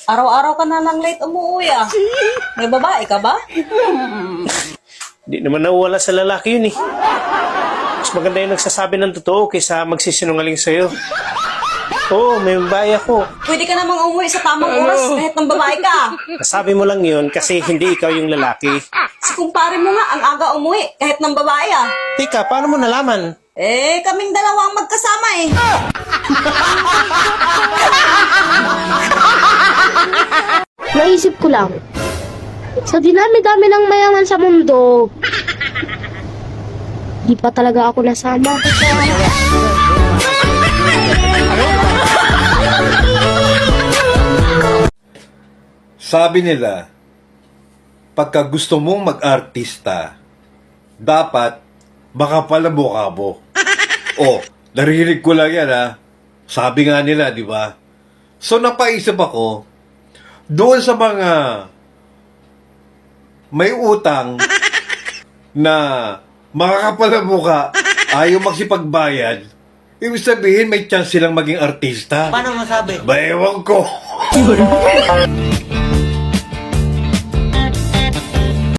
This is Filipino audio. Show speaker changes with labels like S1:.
S1: Araw-araw ka na lang late umuwi ah. May babae ka ba?
S2: Di naman nawala sa lalaki yun eh. Mas maganda yung nagsasabi ng totoo kaysa magsisinungaling sa'yo. Oo, may babae ako.
S1: Pwede ka namang umuwi sa tamang oras kahit ng babae ka.
S2: Nasabi mo lang yun kasi hindi ikaw yung lalaki.
S1: Si kumpare mo nga ang aga umuwi kahit ng babae ah.
S2: Tika, paano mo nalaman?
S1: Eh, kaming dalawa ang magkasama eh.
S3: Naisip ko lang, sa dinami-dami ng mayaman sa mundo, di pa talaga ako nasama.
S4: Sabi nila, pagka gusto mong mag-artista, dapat makapal ang mukha mo. Oh, narinig ko lang yan ha. Sabi nga nila, di ba? So napaisip ako, doon sa mga may utang na makakapal ang mukha, ayaw magsipagbayad, ibig sabihin may chance silang maging artista.
S5: Paano masabi?
S4: Ba, ewan ko.